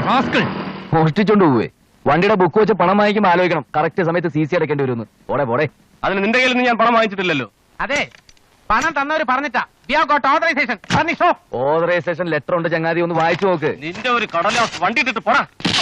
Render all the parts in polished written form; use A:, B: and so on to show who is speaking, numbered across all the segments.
A: മോഷ്ടിച്ചോണ്ട് പോവേ. വണ്ടിയുടെ ബുക്ക് വെച്ച് പണം വാങ്ങിക്കുമ്പോൾ ആലോചിക്കണം, കറക്റ്റ് സമയത്ത് CC അടയ്ക്കേണ്ടി വരുമെന്ന്. പോടെ പോടെ.
B: അതിന് നിന്റെ കയ്യിൽ നിന്ന് ഞാൻ പണം വാങ്ങിച്ചിട്ടില്ലല്ലോ.
C: അതെ, പണം തന്നവര് പറഞ്ഞിട്ടാ.
A: ഓതറൈസേഷൻ ലെറ്റർ ഉണ്ട് ചങ്ങാതി, ഒന്ന് വായിച്ചു നോക്ക്.
B: നിന്റെ ഒരു കടലാസ് വണ്ടി ഇട്ടിട്ട് പോടാ.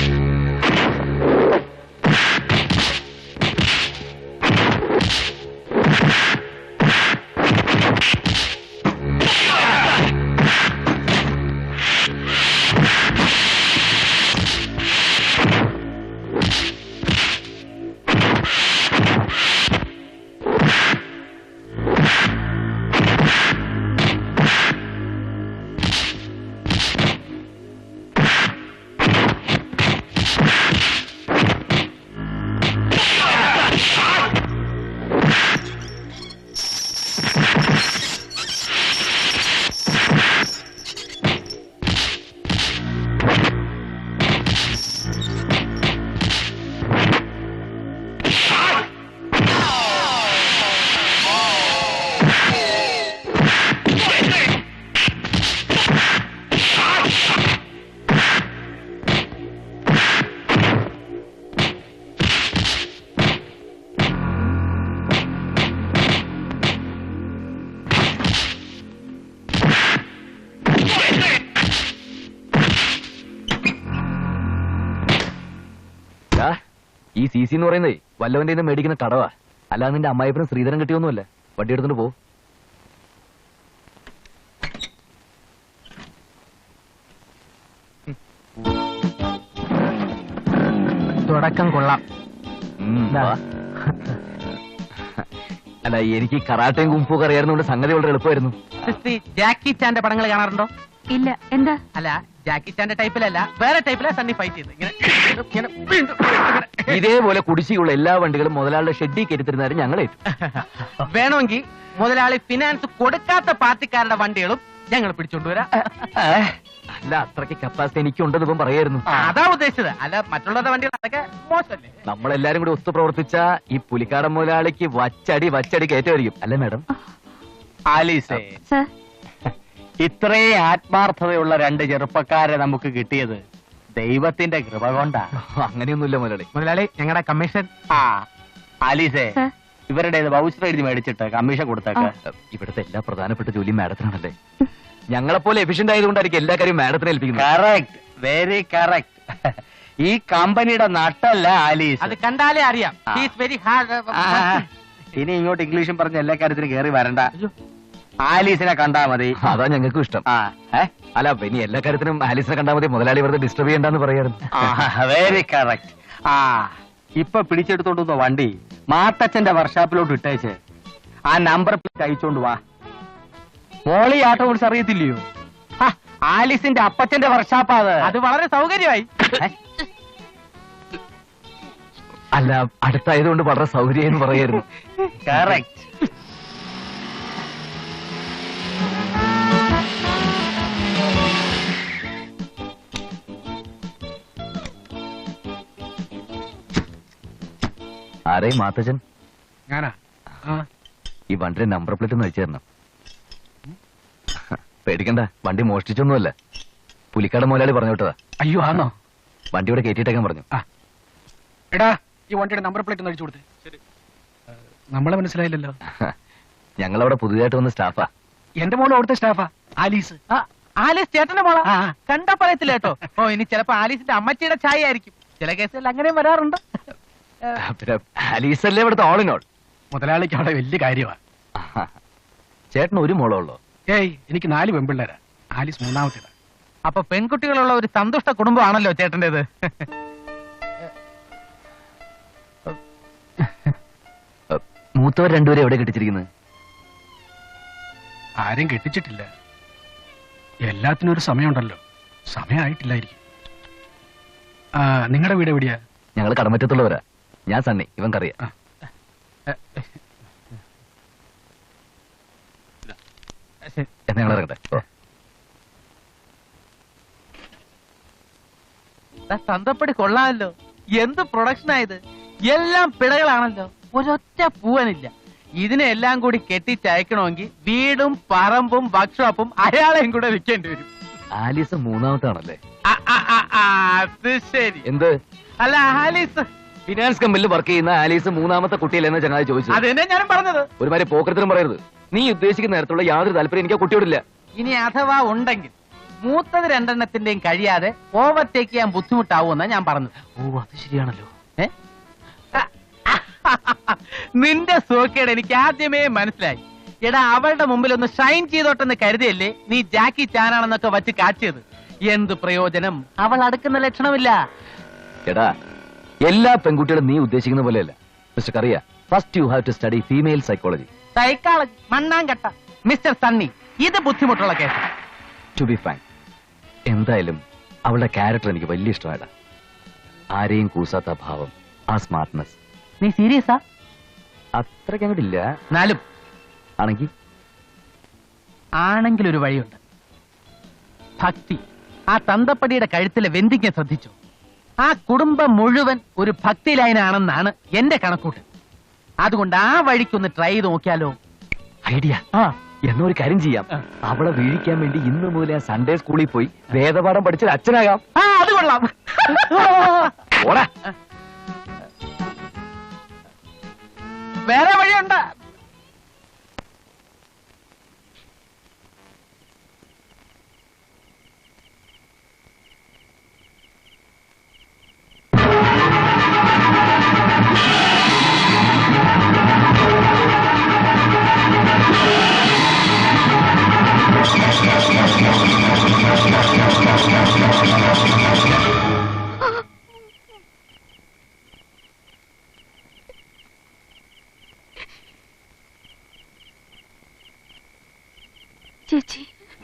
A: ഈ CC എന്ന് പറയുന്നേ വല്ലവന്റെ നിന്ന് മേടിക്കുന്ന കടവാ, അല്ലാതെ നിന്റെ അമ്മായിപ്പനും ശ്രീധരൻ കിട്ടിയൊന്നുമല്ല. വണ്ടി എടുത്തോണ്ട് പോ.
C: തുടക്കം കൊള്ളാം.
A: അല്ല, എനിക്ക് കറാട്ടയും കുംഫും അറിയാവുന്നതുകൊണ്ട് സംഗതി വളരെ എളുപ്പമായിരുന്നു.
C: ജാക്കി ചാന്റെ പടങ്ങൾ കാണാറുണ്ടോ?
D: ഇല്ല. എന്താ?
C: അല്ല, ജാക്കി ചാന്റെ ടൈപ്പിലല്ല, വേറെ ടൈപ്പിലാ സണ്ണി ഫൈറ്റ് ചെയ്ത്.
A: ഇതേപോലെ കുടിശ്ശിയുള്ള എല്ലാ വണ്ടികളും മുതലാളിയുടെ ഷെഡിൽ കയറ്റിരുന്നാലും ഞങ്ങൾ
C: വേണമെങ്കിൽ മുതലാളി ഫിനാൻസ് കൊടുക്കാത്ത പാർട്ടിക്കാരുടെ വണ്ടികളും ഞങ്ങൾ പിടിച്ചോണ്ടുവരാം.
A: അല്ല, അത്രയ്ക്ക് കപ്പാസിറ്റി എനിക്കുണ്ടെന്ന് ഇപ്പം പറയായിരുന്നു.
C: അതാ ഉദ്ദേശിച്ചത്. അല്ല, മറ്റുള്ളവരുടെ വണ്ടികൾ അതൊക്കെ മോശമല്ലേ?
A: നമ്മളെല്ലാരും കൂടി ഒത്തു പ്രവർത്തിച്ച ഈ പുലിക്കാടൻ മുതലാളിക്ക് വച്ചടി കയറ്റമായിരിക്കും. അല്ലേ മാഡം?
B: ആലീസേ,
D: സർ,
B: ഇത്രയും ആത്മാർത്ഥതയുള്ള രണ്ട് ചെറുപ്പക്കാരെ നമുക്ക് കിട്ടിയത് ദൈവത്തിന്റെ കൃപ കൊണ്ടാ.
A: അങ്ങനെയൊന്നുമില്ല മുതലാളി.
C: മുതലാളി, ഞങ്ങളുടെ കമ്മീഷൻ.
B: ആലീസേ,
D: സർ.
B: ഇവരുടെ വൗച്ചർ എഴുതി മേടിച്ചിട്ട് കമ്മീഷൻ കൊടുത്തേക്ക്.
A: ഇവിടുത്തെ എല്ലാ പ്രധാനപ്പെട്ട ജോലിയും മാഡത്തിനാണല്ലേ. ഞങ്ങളെപ്പോലെ എഫിഷ്യന്റ് ആയതുകൊണ്ടായിരിക്കും എല്ലാ കാര്യവും മാഡത്തിനെ ഏൽപ്പിക്കുന്നത്.
B: Correct, very correct. ഈ കമ്പനിയുടെ നട്ടല്ല ആലീസ്.
C: അത് കണ്ടാലേ അറിയാം. Very hard.
B: ഇനി ഇങ്ങോട്ട് ഇംഗ്ലീഷും പറഞ്ഞ എല്ലാ കാര്യത്തിനും കയറി വരണ്ട. ആലീസിനെ കണ്ടാ മതി.
A: അതാ ഞങ്ങൾക്കും ഇഷ്ടം. അല്ല, ഇനി എല്ലാ കാര്യത്തിനും ആലീസിനെ കണ്ടാ മതി. മുതലാളി വെറുതെ ഡിസ്റ്റർബ് ചെയ്യണ്ടെന്ന് പറയാറുണ്ട്.
B: Very correct. ഇപ്പൊ പിടിച്ചെടുത്തോണ്ട് വണ്ടി മാത്തച്ഛന്റെ വർക്ക്ഷോപ്പിലോട്ട് ഇട്ടേച്ച് ആ നമ്പർ പ്ലേറ്റ് അയച്ചോണ്ട് വാ. മോളി ആട്ടോ കുറിച്ച് അറിയത്തില്ലയോ? ആലീസിന്റെ അപ്പച്ചന്റെ വർക്ക്ഷോപ്പാ അത്.
C: അത് വളരെ സൗകര്യമായി.
A: അല്ല, അടുത്തായതുകൊണ്ട് വളരെ സൗകര്യം എന്ന് പറയായിരുന്നു.
B: കറക്റ്റ്.
A: ആരേ മാത്തച്ഛൻ?
C: ഞാനാ.
A: ഈ വണ്ടിയുടെ നമ്പർ പ്ലേറ്റ് ഒന്ന് അയച്ചു തരണം. പേടിക്കണ്ട, വണ്ടി മോഷ്ടിച്ചൊന്നുമല്ല. പുലിക്കാട് മുതലാളി പറഞ്ഞു വിട്ടതാ.
C: അയ്യോ, ആണോ?
A: വണ്ടി ഇവിടെ കയറ്റിയിട്ടേക്കാൻ പറഞ്ഞു.
C: എടാ, ഈ വണ്ടിയുടെ നമ്പർ പ്ലേറ്റ് ഒന്ന് അടിച്ചു കൊടുത്തേ. നമ്മളെ മനസ്സിലായില്ലല്ലോ.
A: ഞങ്ങളവിടെ പുതിയതായിട്ട് വന്ന സ്റ്റാഫാ.
C: എന്റെ മോള് അവിടുത്തെ സ്റ്റാഫാ, ആലീസ്. ആലീസ് ചേട്ടന്റെ മോളാ? കണ്ടാ പറയത്തില്ല കേട്ടോ. ഓ, ഇനി ചിലപ്പോ ആലീസിന്റെ അമ്മച്ചിയുടെ ചായ ആയിരിക്കും. ചില കേസുകളിൽ അങ്ങനെയും വരാറുണ്ട്.
A: പിന്നെ ആലീസല്ലേ ഇവിടുത്തെ ഓൾ ഇൻ ഓൾ.
C: മുതലാളിക്ക് അവിടെ വലിയ കാര്യമാണ്.
A: ചേട്ടന് ഒരു മോളോ ഉള്ളോ?
C: ഏയ്, എനിക്ക് 4 പെൺപിള്ളേരാ. ആലീസ് മൂന്നാമത്തേതാ. അപ്പൊ പെൺകുട്ടികളുള്ള ഒരു സന്തുഷ്ട കുടുംബമാണല്ലോ ചേട്ടന്റേത്.
A: മൂത്തവർ രണ്ടുപേരും എവിടെ കെട്ടിച്ചിരിക്കുന്നത്?
C: ആരും കെട്ടിച്ചിട്ടില്ല. എല്ലാത്തിനും ഒരു സമയമുണ്ടല്ലോ. സമയമായിട്ടില്ലായിരിക്കും. നിങ്ങളുടെ വീട് എവിടെയാ?
A: ഞങ്ങൾ കടമറ്റത്തുള്ളവരാ. ഞാൻ സണ്ണി, ഇവൻ കറിയാ. എന്നാ ഞങ്ങൾ ഇറങ്ങട്ടെ.
C: തന്തപ്പടി കൊള്ളാമല്ലോ. എന്ത് പ്രൊഡക്ഷനായത്! എല്ലാം പിഴകളാണല്ലോ. ഒരൊറ്റ പൂവനില്ല. ഇതിനെല്ലാം കൂടി കെട്ടിച്ചയക്കണമെങ്കിൽ വീടും പറമ്പും വർക്ക്ഷോപ്പും അയാളെയും കൂടെ വിൽക്കേണ്ടി വരും.
A: ആലീസ് മൂന്നാമത്താണല്ലേ?
C: അത് ശരി.
A: എന്ത്?
C: അല്ല ആലീസ്
A: ഫിനാൻസ് കമ്പനിയിൽ വർക്ക് ചെയ്യുന്ന ആലീസ് മൂന്നാമത്തെ കുട്ടിയല്ലെന്ന് ചങ്ങാതി ചോദിച്ചു.
C: അത് തന്നെ ഞാനും പറഞ്ഞത്.
A: ഒരുമാതിരി പോക്കരത്തിനും പറയരുത്. നീ ഉദ്ദേശിക്കുന്ന നേരത്തുള്ള യാതൊരു താല്പര്യം എനിക്ക് ആ കുട്ടിയോടില്ല.
C: ഇനി അഥവാ ഉണ്ടെങ്കിൽ മൂത്തത് രണ്ടെണ്ണത്തിന്റെയും കഴിയാതെ ഓവർടേക്ക് ചെയ്യാൻ ബുദ്ധിമുട്ടാവുമെന്നാ ഞാൻ പറഞ്ഞത്.
A: ഓ അത് ശരിയാണല്ലോ.
C: നിന്റെ സോക്കേട് എനിക്ക് ആദ്യമേ മനസ്സിലായി. എടാ അവളുടെ മുമ്പിൽ ഒന്ന് ഷൈൻ ചെയ്തോട്ടെന്ന് കരുതിയല്ലേ നീ ജാക്കി ചാനാണെന്നൊക്കെ വച്ച് കാച്ചിയത്. എന്ത് പ്രയോജനം? അവൾ അടുക്കുന്ന ലക്ഷണമില്ല.
A: എടാ എല്ലാ പെൺകുട്ടികളും നീ ഉദ്ദേശിക്കുന്ന പോലെയല്ല mister Kariya. First you have to study female psychology.
C: Psychology മണ്ണാങ്കട്ട മിസ്റ്റർ സണ്ണി. ഇത് ബുദ്ധിമുട്ടുള്ള കേസ്.
A: To be fine. എന്തായാലും അവളുടെ ക്യാരക്ടർ എനിക്ക് വലിയ ഇഷ്ടമായിട്ടാ. ആരെയും കൂസാത്ത ഭാവം, ആ സ്മാർട്ട്നെസ്.
C: നീ സീരിയസാ?
A: അത്രയ്ക്ക് അങ്ങോട്ടില്ല.
C: എന്നാലും ആണെങ്കിൽ ഒരു വഴിയുണ്ട്. ഭക്തി. ആ തന്തപ്പടിയുടെ കഴുത്തിലെ വെന്തിക്കാൻ ശ്രദ്ധിച്ചു. ആ കുടുംബം മുഴുവൻ ഒരു ഭക്തി ലൈനാണെന്നാണ് എന്റെ കണക്കൂട്ട്. അതുകൊണ്ട് ആ വഴിക്കൊന്ന് ട്രൈ ചെയ്ത് നോക്കിയാലോ?
A: ഐഡിയ. എന്നൊരു കാര്യം ചെയ്യാം. അവളെ വീഴിക്കാൻ വേണ്ടി ഇന്ന് മുതൽ ആ സൺഡേ സ്കൂളിൽ പോയി വേദപാഠം പഠിച്ചൊരു അച്ഛനാകാം.
C: അത് കൊള്ളാം.
A: ഓടാ.
C: വേറെ വഴിയുണ്ട്.
D: ചേച്ചി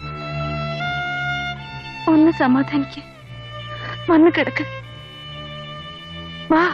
D: ഒന്ന് സമാധാനിക്ക്. വന്ന് കിടക്ക്. വാ.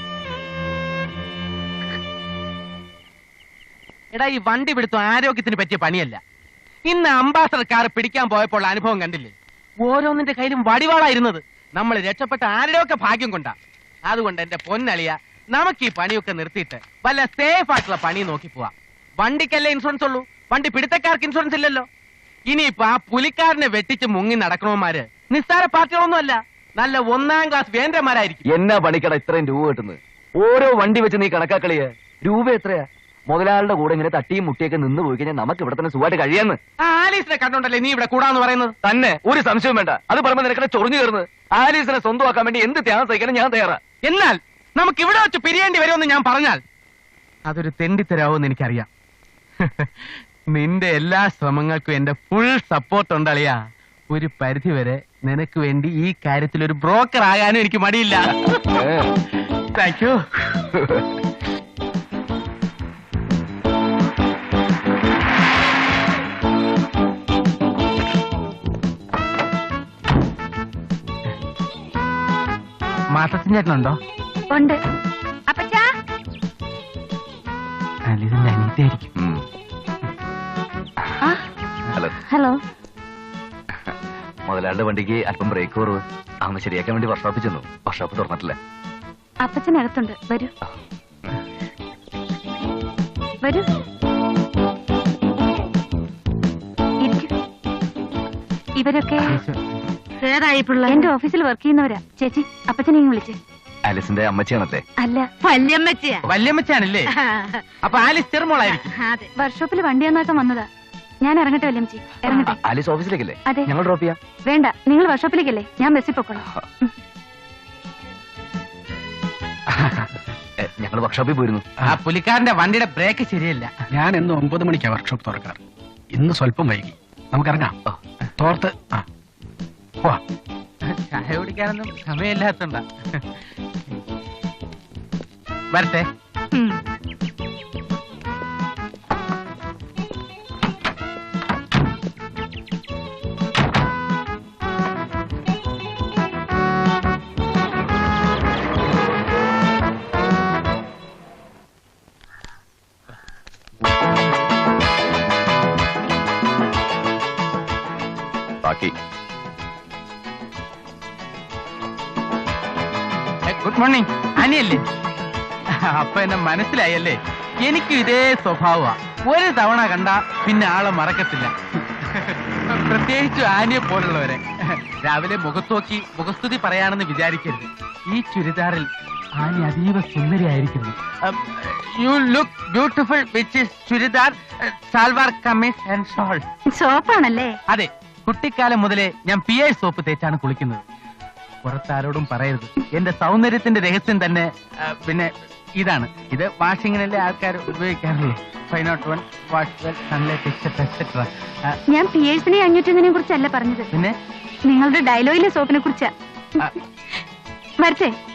C: എടാ ഈ വണ്ടി പിടുത്തം ആരോഗ്യത്തിന് പറ്റിയ പണിയല്ല. ഇന്ന് അംബാസഡർ കാർ പിടിക്കാൻ പോയപ്പോൾ അനുഭവം കണ്ടില്ലേ? ഓരോന്നിന്റെ കയ്യിലും വടിവാളായിരുന്നത്. നമ്മൾ രക്ഷപ്പെട്ട ആരുടെയൊക്കെ ഭാഗ്യം കൊണ്ടാ. അതുകൊണ്ട് എന്റെ പൊന്നളിയ, നമുക്ക് ഈ പണിയൊക്കെ നിർത്തിയിട്ട് വല്ല സേഫ് ആയിട്ടുള്ള പണി നോക്കി പോവാം. വണ്ടിക്കല്ലേ ഇൻഷുറൻസ് ഉള്ളൂ, വണ്ടി പിടുത്തക്കാർക്ക് ഇൻഷുറൻസ് ഇല്ലല്ലോ. ഇനിയിപ്പോ ആ പുലിക്കാരനെ വെട്ടിച്ച് മുങ്ങി നടക്കണവന്മാര് നിസ്സാര പാർട്ടികളൊന്നുമല്ല, നല്ല 1ാം ക്ലാസ് വേന്ദ്രന്മാരായിരിക്കും.
A: എന്നാ പണിക്കട ഇത്രയും രൂപ കിട്ടുന്നത്? ഓരോ വണ്ടി വെച്ച് നീ കണക്കാക്കളിയ രൂപ എത്രയാ? മുതലാളുടെ കൂടെ ഇങ്ങനെ തട്ടിയും മുട്ടിയൊക്കെ നിന്ന് പോയി കഴിഞ്ഞാൽ നമുക്ക് ഇവിടെ തന്നെ സുഖമായിട്ട് കഴിയാന്ന്.
C: ആ ആലീസിനെ കണ്ടോണ്ടല്ലേ നീ ഇവിടെ കൂടാന്ന് പറയുന്നത്?
A: തന്നെ ഒരു സംശയവും വേണ്ട. അത് പറയുമ്പോ നിനക്കടെ ചൊറിഞ്ഞു കയറുന്നത്. ആലീസിനെ സ്വന്തമാക്കാൻ വേണ്ടി എന്ത് ത്യാഗം സഹിക്കാനും ഞാൻ തയ്യാറാ.
C: എന്നാൽ നമുക്ക് ഇവിടെ വെച്ച് പിരിയേണ്ടി വരുമെന്ന് ഞാൻ പറഞ്ഞാൽ അതൊരു തെണ്ടിത്തരാവെന്ന് എനിക്കറിയാം. നിന്റെ എല്ലാ ശ്രമങ്ങൾക്കും എന്റെ ഫുൾ സപ്പോർട്ട് ഉണ്ടളിയാ. ഒരു പരിധി വരെ നിനക്ക് വേണ്ടി ഈ കാര്യത്തിൽ ഒരു ബ്രോക്കർ ആകാനും എനിക്ക് മടിയില്ല. Thank you. മാസത്തിൻ ചേട്ടനുണ്ടോ?
D: ഉണ്ട്. അപ്പച്ചാ.
C: ഇതിന്റെ അനിയത്തിയായിരിക്കും.
A: ഹലോ.
D: ഹലോ.
A: മുതലാളുടെ വണ്ടിക്ക് അല്പം ബ്രേക്ക് കുറവ്. അന്ന് ശരിയാക്കാൻ വേണ്ടി വർക്ക്ഷോപ്പിൽ ചെന്നു. വർക്ക്ഷോപ്പ് തുറന്നിട്ടില്ല.
D: അപ്പച്ചനകത്തുണ്ട്. വരൂ വരൂ. ഇവരൊക്കെ എന്റെ ഓഫീസിൽ വർക്ക് ചെയ്യുന്നവരാ. ചേച്ചി അപ്പച്ചനെ വിളിച്ചേ.
A: ആലിസിന്റെ അമ്മച്ചിയാണല്ലേ?
D: അല്ല, വല്യമ്മച്ചിയാ.
C: വല്യമ്മച്ചാണല്ലേ? അപ്പൊ ആലിസ് ചെറുമോളായിരിക്കും.
D: വർക്ക്ഷോപ്പിൽ വണ്ടി നന്നാക്കാൻ വന്നതാ. ഞാൻ ഇറങ്ങട്ടെ വല്യമ്മച്ചി? ഇറങ്ങട്ടെ.
A: ആലിസ് ഓഫീസിലേക്കല്ലേ?
D: അതെ.
A: ഞങ്ങൾ ഡ്രോപ്പ് ചെയ്യാം.
D: വേണ്ട, നിങ്ങൾ വർക്ക്ഷോപ്പിലേക്കല്ലേ? ഞാൻ ബസ്സിൽ പൊക്കോളാം.
A: ഞങ്ങൾ വർക്ക്ഷോപ്പിൽ പോയിരുന്നു.
C: ആ പുലിക്കാരന്റെ വണ്ടിയുടെ ബ്രേക്ക് ശരിയല്ല.
B: ഞാൻ ഇന്ന് 9 മണിക്കാണ് വർക്ക്ഷോപ്പ് തുറക്കാറ്. ഇന്ന് സ്വല്പം വൈകി. നമുക്കിറങ്ങാം. തോർത്ത്
C: ചായ കുടിക്കാനൊന്നും സമയമില്ലാത്തണ്ട. വരട്ടെ. Good morning. അനിയല്ലേ? അപ്പൊ എന്നെ മനസ്സിലായല്ലേ? എനിക്കും ഇതേ സ്വഭാവമാ. ഒരു തവണ കണ്ട പിന്നെ ആളെ മറക്കത്തില്ല. പ്രത്യേകിച്ച് ആനിയെ പോലുള്ളവരെ രാവിലെ മുഖത്തോക്കി മുഖസ്തുതി പറയാണെന്ന് വിചാരിക്കരുത്. ഈ ചുരിദാറിൽ ആനി അതീവ സുന്ദരിയായിരിക്കുന്നു. You look beautiful which is churidar salwar kameez and shawl.
D: സോപ്പാണല്ലേ?
C: അതെ, കുട്ടിക്കാലം മുതലേ ഞാൻ PI സോപ്പ് തേച്ചാണ് കുളിക്കുന്നത്. പുറത്താരോടും പറയരുത്. എന്റെ സൗന്ദര്യത്തിന്റെ രഹസ്യം തന്നെ പിന്നെ ഇതാണ്. ഇത് വാഷിങ്ങിനല്ലേ ആൾക്കാർ ഉപയോഗിക്കാറുള്ളൂ. 501 wash well Sunlight etcetera etcetera.
D: ഞാൻ പിയേഴ്സിനെ 501 കുറിച്ചല്ല പറഞ്ഞത്,
C: പിന്നെ
D: നിങ്ങളുടെ ഡയലോഗിലെ സോപ്പിനെ കുറിച്ചാ. വരട്ടെ.